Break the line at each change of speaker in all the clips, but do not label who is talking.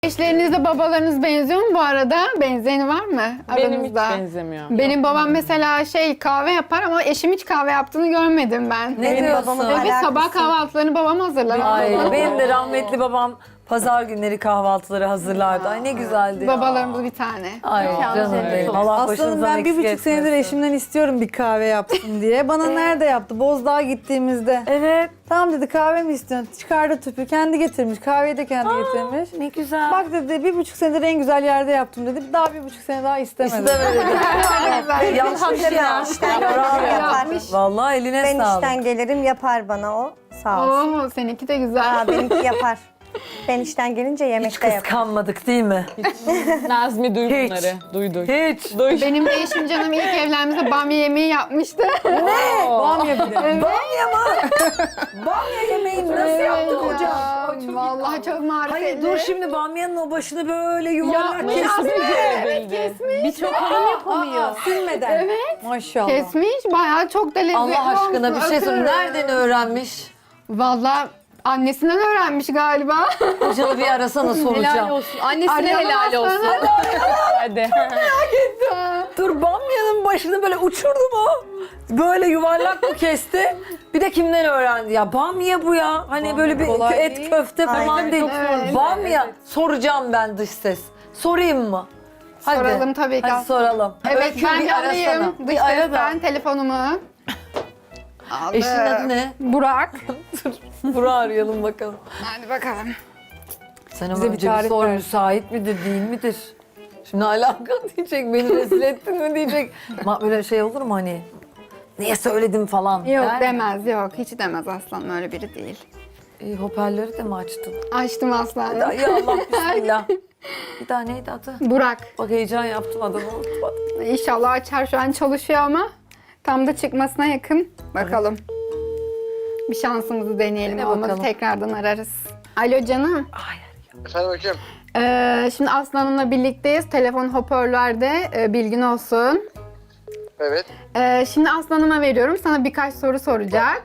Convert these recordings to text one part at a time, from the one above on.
Eşlerinizle babalarınız benziyor mu bu arada? Benzeyeni var mı
Benim
aranızda?
hiç benzemiyor.
Benim babam mesela kahve yapar ama eşim hiç kahve yaptığını görmedim ben.
Ne diyorsun?
Evet, sabah kahvaltılarını babam hazırlar.
Ay, benim de rahmetli babam pazar günleri kahvaltıları hazırlardı. Ay ne güzeldi ya.
Babalarımız bir tane.
Ay canım benim. Allah
Aslanım
başınızdan
ben bir
eksik
buçuk senedir
etmesin.
eşimden istiyorum bir kahve yapsın diye. Bana nerede yaptı? Bozdağ'a gittiğimizde.
Evet.
Tamam dedi, kahve mi istiyorsun? Çıkardı tüpü, kendi getirmiş. Kahveyi de kendi getirmiş.
Ne güzel.
Bak dedi, bir buçuk senedir en güzel yerde yaptım dedi. Daha bir buçuk sene daha istemedi.
İstemedi. Yapmış ya.
Yapar.
Vallahi eline
Ben
sağlık.
işten gelirim yapar bana o. Sağ olsun.
Oo, seninki de güzel.
Aa, benimki yapar. Ben işten gelince
Hiç
yemekte yapar.
kıskanmadık değil mi?
Nazmi duy
Hiç.
bunları. Duydu.
Hiç.
Benim de eşim canım ilk evlendiğimizde bamya yemeği yapmıştı.
Bamya bir de.
Bamya mı? Bamya yemeğini nasıl yaptın hocam?
Vallahi çok marifetli.
Hayır dur şimdi bamyanın o başını böyle yuvarlak
Yapmış
kesmiş.
Birçok hanım yapamıyor.
Aa, silmeden. Evet. Maşallah.
Kesmiş, bayağı çok da lezzetli
Allah aşkına
olmuş.
bir şey söyle.
Öpüyorum.
Nereden öğrenmiş?
Vallahi annesinden öğrenmiş galiba.
Hocalı bir arasana soracağım.
olsun. Annesine
Arayalım
helal olsun.
aslanım.
Hadi.
Dur bamyanın başını böyle uçurdu mu? Böyle yuvarlak mı kesti? Bir de kimden öğrendi ya? Bamya bu ya. Hani böyle bir
kolay
et
değil.
köfte falan
Aynen.
değil.
Çok zor.
Bamya. Soracağım ben dış ses. Sorayım mı? Hadi.
Soralım tabii ki.
Hadi soralım.
Evet,
Öykü,
ben
bir
bir
arasana.
alayım. Dış
Bir ara da.
sesten telefonumu. Aldım.
Eşinin adı ne?
Burak.
Burak'ı arayalım bakalım.
Hadi bakalım.
Sen ama
Bize bir
önce bir
tarif
sor,
ver.
müsait midir değil midir? Şimdi alaka diyecek, beni rezil ettin mi diyecek. Böyle şey olur mu hani? Niye söyledim falan.
Yok
der mi?
demez, yok. Hiç demez aslanım, öyle biri değil.
Hoparlörü de mi açtın?
Açtım aslanım.
Ya Allah bismillah. Bir daha neydi adı?
Burak.
Bak heyecan yaptım adını unutmadım.
İnşallah açar, şu an çalışıyor ama tam da çıkmasına yakın. Bakalım. Bir şansımızı deneyelim.
Dene
Olmadı
bakalım.
tekrardan ararız. Alo canım.
Efendim hocam.
Şimdi Aslan'ımla birlikteyiz. Telefon hoparlörde, bilgin olsun.
Evet.
Şimdi Aslan'ıma veriyorum. Sana birkaç soru soracak.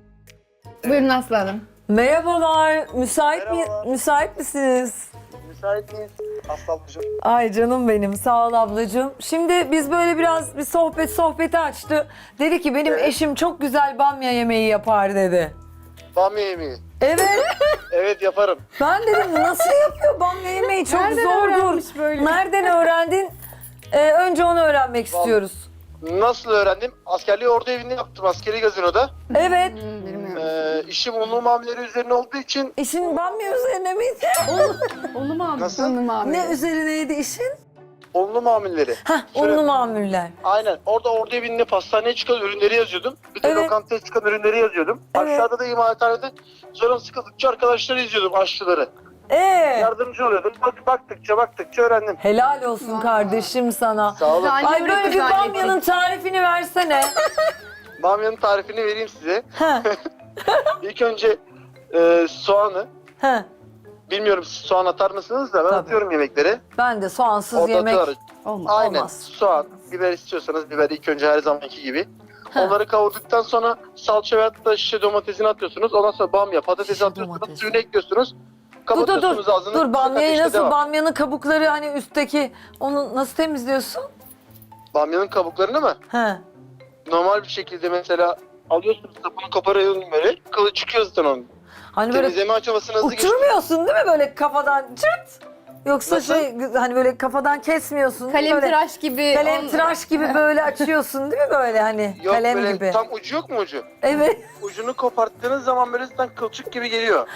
Buyurun Aslan'ım.
Merhabalar, müsait
Merhaba.
müsait misiniz?
Müsait miyiz? Aslanlıcım.
Ay canım benim, sağ ol ablacığım. Şimdi biz böyle biraz bir sohbeti açtı. Dedi ki benim eşim çok güzel bamya yemeği yapar dedi.
Bamya yemeği.
Evet.
Evet yaparım.
Ben dedim nasıl yapıyor bamya yemeği çok
Nereden
zordur.
öğrenmiş böyle?
Nereden öğrendin? Önce onu öğrenmek istiyoruz.
Nasıl öğrendim? Askerliği ordu evinde yaptım. Askeri gazinoda.
Evet.
Bilmiyorum.
İşim unlu mamuleri üzerine olduğu için
İşin bamya üzerine miydi?
Onu mu aldın?
Nasıl?
Onu mu aldın?
Ne üzerineydi işin?
unlu mamulleri.
Hah,
Şöyle-
unlu mamuller.
Aynen. Orada ordu evinde pastaneye çıkan ürünleri yazıyordum. Bir de
Evet.
lokantaya çıkan ürünleri yazıyordum.
Evet.
Aşağıda da imalathanede canım sıkıldıkça arkadaşları izliyordum, aşçıları. Yardımcı oluyordum. Baktıkça öğrendim.
Helal olsun kardeşim sana.
Sağ olun.
Güzel.
Ay böyle bir
Güzel
bamyanın tarifini versene.
Bamyanın tarifini vereyim size.
Ha,
İlk önce soğanı,
ha.
bilmiyorum siz soğan atar mısınız da ben
Tabii.
atıyorum yemeklere.
Ben de soğansız
Orada
yemek
atıyorum. Aynen.
olmaz.
Soğan, biber istiyorsanız biber ilk önce her zamanki gibi.
Ha.
Onları kavurduktan sonra salça veyahut da şişe domatesini atıyorsunuz. Ondan sonra bamya, patatesi
Şişe
atıyorsunuz.
domates.
Suyunu ekliyorsunuz.
Dur
Kapatıyorsunuz ağzını.
dur bamyayı
ateşte
nasıl
devam.
bamyanın kabukları hani üstteki onu nasıl temizliyorsun?
Bamyanın kabuklarını mı?
He.
Normal bir şekilde mesela alıyorsunuz sapını koparıyorsunuz böyle. Kılı çıkıyor zaten onun.
Hani böyle
Temizleme aşamasını hızlı geçiyor.
uçurmuyorsun değil mi böyle kafadan çırt? Yoksa
Nasıl?
hani böyle kafadan kesmiyorsun. değil mi? Böyle
Kalemtıraş gibi.
kalemtıraş gibi böyle açıyorsun değil mi böyle hani
Yok
kalem
böyle
gibi.
tam ucu yok mu ucu?
Evet.
Ucunu koparttığınız zaman böyle zaten kılçık gibi geliyor.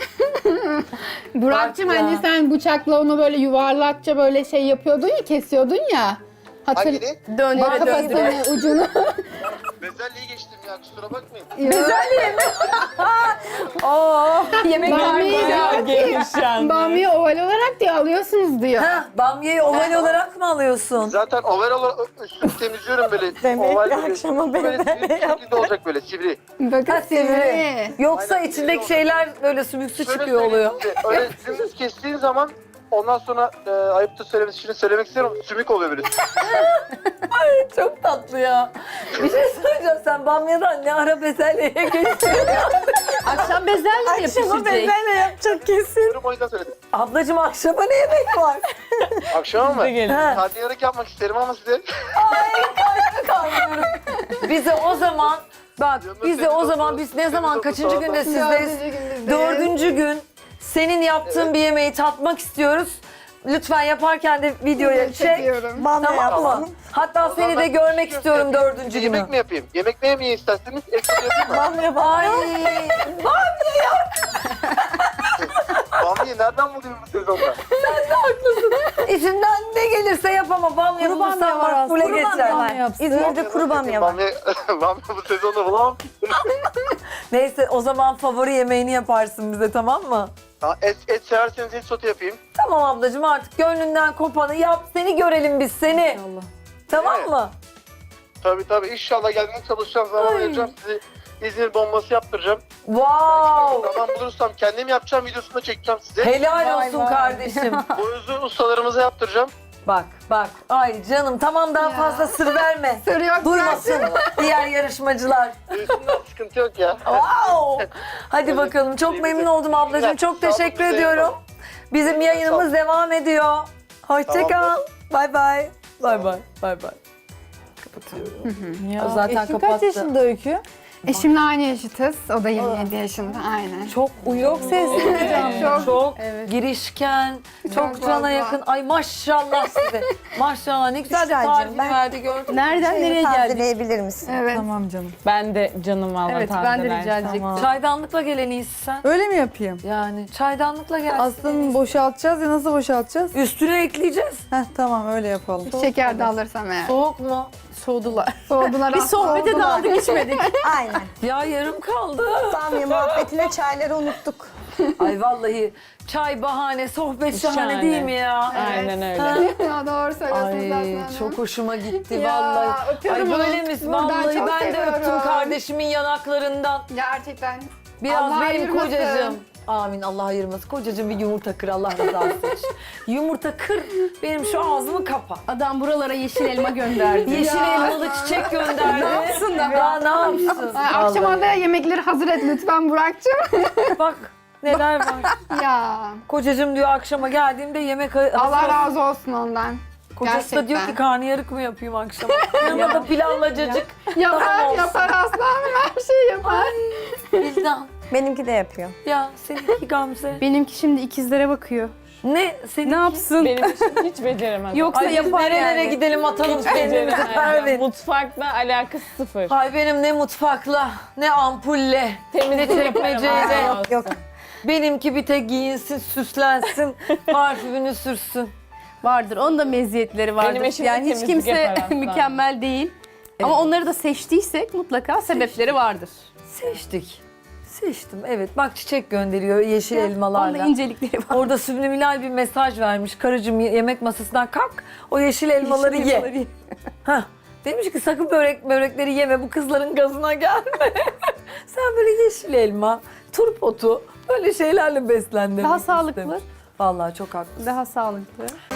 Burak'cığım
Bak ya.
hani sen bıçakla onu böyle yuvarlakça böyle şey yapıyordun ya, kesiyordun ya.
Hangini?
Döndüre döndüre.
Kafasını, ucunu.
Bezelyeyi geçtim ya kusura bakmayın.
Oo.
Yemek
Bamyayı
gelişen.
Bamya oval olarak diye alıyorsunuz diyor.
Ha, bamyayı oval olarak mı alıyorsun?
Zaten oval olarak üstünü temizliyorum böyle. Oval böyle sivri bir şekilde olacak böyle sivri.
Bakın
Ha, sivri.
sivri.
Yoksa
Aynen,
içindeki
sivri
şeyler böyle sümüksü
Şöyle
çıkıyor
söyleyeyim
oluyor.
size, öyle dümdüz kestiğin zaman Ondan sonra ayıptır söylemesi için söylemek istiyorum. Sümük oluyor böyle.
Çok tatlı ya. Bir şey söyleyeceğim, sen bamyadan ne ara bezelyeye geçtin?
Akşam bezelye mi yapışacak?
yapacak kesin.
Diyorum, o yüzden söyledim.
Ablacığım akşama ne yemek var?
Akşama mı?
Gelin.
Ha.
Karnıyarık yapmak isterim ama size.
Kalmıyorum. Bize o zaman bak
Yanında
bize
seni
o
de
zaman
olsa-
biz ne
seni
zaman
de
kaçıncı
olsa-
günde sizdeyiz? Dördüncü gün senin yaptığın bir yemeği tatmak istiyoruz. Lütfen yaparken de videoya çek.
Çekiyorum.
Bamya
Tamam
yapsın.
mı? Hatta
O zaman
seni de
ben
görmek
köfte
istiyorum
yapayım.
dördüncü günü.
Yemek mi yapayım? Yemek ne yemeği isterseniz ekstra yapayım mı?
Bamya
Ay
Bamya'yı nereden bulayım bu sezonda?
içinden ne gelirse yap ama bamya
Kuru bamya
bulursan
var
makbule
aslında.
geçer.
Bamya yapsın.
İzmir'de kuru bamya var.
Bamya bu sezonda bulamam.
Neyse o zaman favori yemeğini yaparsın bize, tamam mı?
Ha, et severseniz et sote yapayım.
Tamam ablacığım, artık gönlünden kopanı yap, seni görelim biz seni.
Allah.
Tamam
Evet.
mı?
Tabii inşallah gelmeye çalışacağım, zaman vereceğim sizi. İzmir bombası yaptıracağım.
Wow!
Zaman bulursam kendim yapacağım, videosunu da çekeceğim size.
Helal
Vay
olsun
vay.
kardeşim.
Boyuzu ustalarımıza yaptıracağım.
Bak. Ay canım, tamam, daha
Ya.
fazla sır verme.
Sır yok.
Duymasın diğer yarışmacılar.
Duysunlar, sıkıntı yok ya.
Wow! Hadi bakalım. Çok memnun oldum ablacığım. Çok
Sağ olun,
teşekkür
bize
ediyorum.
yapalım.
Bizim yayınımız devam ediyor. Hoşça kal.
Tamamdır.
Bay bay. Bay bay. Bay bay. Kapatıyorum.
Ya,
Zaten
eşin
kapattı.
kaç yaşında Öykü?
Eşimle aynı yaşıtız. O da 27 yaşında. Aynen.
Çok uyum.
Sesli canlı.
Çok
Evet.
girişken, çok
Çok
cana
fazla.
yakın. Ay maşallah size. Maşallah, ne güzel de
Büşracığım,
tarifini
ben-
verdi, gördün mü?
Nereden
Şeyini
nereye geldik?
tazeleyebilir misin?
Evet.
Tamam canım.
Ben de canım valla
Evet, ben de rica
tazeler.
edecektim.
Çaydanlıkla gel en iyisi sen.
Öyle mi yapayım?
Yani çaydanlıkla gelsin.
Aslında boşaltacağız ya, nasıl boşaltacağız?
Üstüne ekleyeceğiz.
Heh tamam, öyle yapalım.
Şeker de alırsam eğer.
Soğuk mu?
Soğudular.
Soğudular.
Bir sohbete
soğudular.
daldık içmedik.
Aynen.
Ya yarım kaldı.
Bamya muhabbetine çayları unuttuk.
Ay vallahi çay bahane, sohbet şahane
Şahane.
değil mi ya?
Aynen öyle.
Ha?
Ya doğru söylüyorsunuz
Ay
aslında.
çok hoşuma gitti
Ya,
vallahi. Ay
öpüyorum
böyle
onu.
mi?
Buradan
Vallahi
çok
ben de
seviyorum.
öptüm kardeşimin yanaklarından.
Gerçekten.
Biraz
Allah
benim
ayırmasın.
kocacığım. Amin, Allah ayırmasın. Kocacığım bir yumurta kır, Allah rızası için. Yumurta kır, benim şu ağzımı kapa.
Adam buralara yeşil elma gönderdi.
Yeşil elmalı çiçek gönderdi.
Ne yapsın da?
Ya ne yapsın?
Ay, akşama
Vallahi.
da yemekleri hazır et lütfen Burak'cığım.
Bak neler var.
Ya.
Kocacığım diyor akşama geldiğimde yemek hazır
Allah
olsun.
razı olsun ondan.
Kocası da diyor ki
Gerçekten.
karnıyarık mı yapayım akşama? Yanına da pilavla cacık. Tamam
Yapar,
olsun.
yapar aslanım, her şeyi yapar.
Bildan.
Benimki de yapıyor.
Ya seninki Gamze.
Benimki şimdi ikizlere bakıyor.
Ne? Seninki?
Ne yapsın?
Benim için hiç beceremez.
Yoksa
Ay biz
yapar
nerelere
yani.
gidelim atalım kendimizi Pervin.
Mutfakla alakası sıfır.
Ay benim ne mutfakla, ne ampulle, ne çekmeceyle.
Yok.
Benimki bir tek giyinsin, süslensin, parfümünü sürsün.
Vardır. Onun da meziyetleri vardır.
Benim eşim de
Yani hiç
temizlik
kimse
yapar aslında.
mükemmel değil. Ama onları da seçtiysek mutlaka sebepleri vardır.
Seçtik. Seçtim, evet. Bak çiçek gönderiyor yeşil
Onda
elmalarla.
incelikleri var.
Orada subliminal bir mesaj vermiş. Karıcığım yemek masasından kalk, o yeşil elmaları ye. Hah. Demiş ki sakın börekleri yeme, bu kızların gazına gelme. Sen böyle yeşil elma, turp otu, böyle şeylerle beslen demek
Daha
istedim.
sağlıklı.
Vallahi çok haklısın.
Daha sağlıklı.